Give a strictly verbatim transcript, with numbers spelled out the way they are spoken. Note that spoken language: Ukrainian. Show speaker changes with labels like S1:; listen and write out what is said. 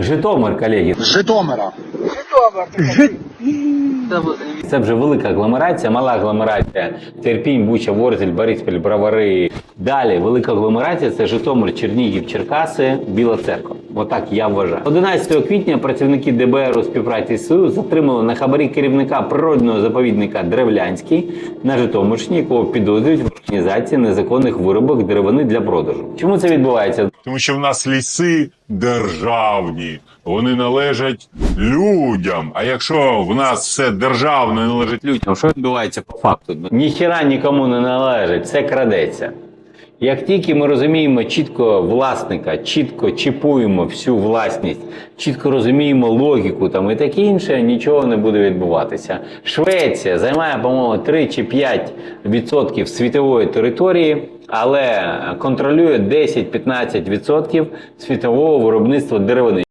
S1: Житомир, колеги.
S2: З Житомира.
S1: Це вже велика агломерація, мала агломерація. Терпінь, Буча, Ворзель, Бориспіль, Бровари. Далі велика агломерація – це Житомир, Чернігів, Черкаси, Біла Церква. Отак я вважаю. одинадцятого квітня працівники де бе ер у співпраці з СУ затримали на хабарі керівника природного заповідника Древлянський на Житомирщині, якого підозрюють в організації незаконних вирубок деревини для продажу. Чому це відбувається?
S3: Тому що в нас ліси державні, вони належать людям. А якщо в нас все державне належить людям,
S1: Що відбувається по факту? Ніхіра нікому не належить, все крадеться. Як тільки ми розуміємо чітко власника, чітко чіпуємо всю власність, чітко розуміємо логіку там і таке інше, нічого не буде відбуватися. Швеція займає, по-моєму, три чи п'ять відсотків світової території, але контролює десять-п'ятнадцять відсотків світового виробництва деревини.